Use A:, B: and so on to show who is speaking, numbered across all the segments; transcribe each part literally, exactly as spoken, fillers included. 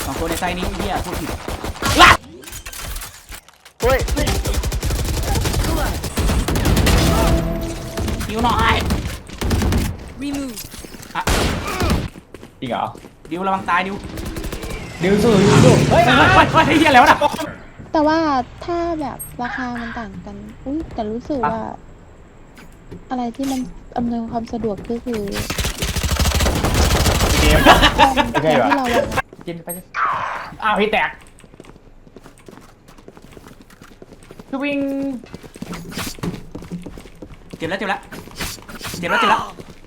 A: สองตัวในไซนี้เฮียพูดผิด
B: เฮ้ย
A: ดิวหน่อยอะ
B: จริงเหรอ
A: ดิวระวังตายดิว
B: ดิวสู้ดิวสู้เฮ้ย
A: เฮ้ยเฮ้ยเฮ้ยเฮียแล้วนะ
C: แต่ว่าถ้าแบบราคามันต่างกันอุ้ยแต่รู้สึกว่า อะไรที่มันอำนวยความสะดวกก็คือ
B: เกม
C: แทนที่เราอะ
B: กินไปสิอ้าวพี่แตกคือวิ่ง
A: เจ็บแล้วเจ็บแล้วเจ็บแล้วเจ็บแล้ว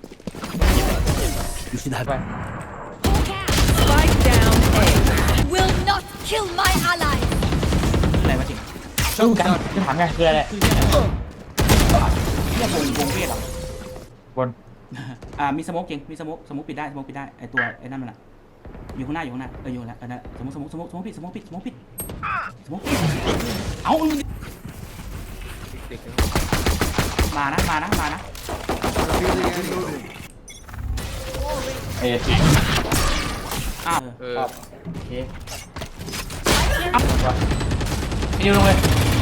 B: ไป
D: Spike down A. Will not kill my ally.
A: อะไรวะจริง
B: สู้กันจะถามไงคืออะไร
A: เฮียวงวงเวทเหรอบ
B: น
A: อ่ามีสโมกจริงมีสโมกสโมกปิดได้สโมกปิดได้ไอตัวไอ้นั่นมันอะอยู่ข้างหน้าอยู่ข้างหน้าเอออยู่แล้วเออนั่นสโมกสโมกสโมกสโมกปิดสโมกปิดสโมกปิดสโมกปิดเอามานะมานะมานะ
B: เอ๊ะ
A: อ้าว
B: เออโอเค
A: ไปดิวลงเลย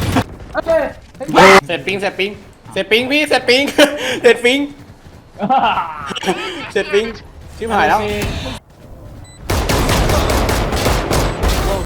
E: เสร็จปิงเสร็จปิงเสร็จปิงพี่เสร็จปิง เสร็จปิงเสร็จปิงชิบหายแล้ว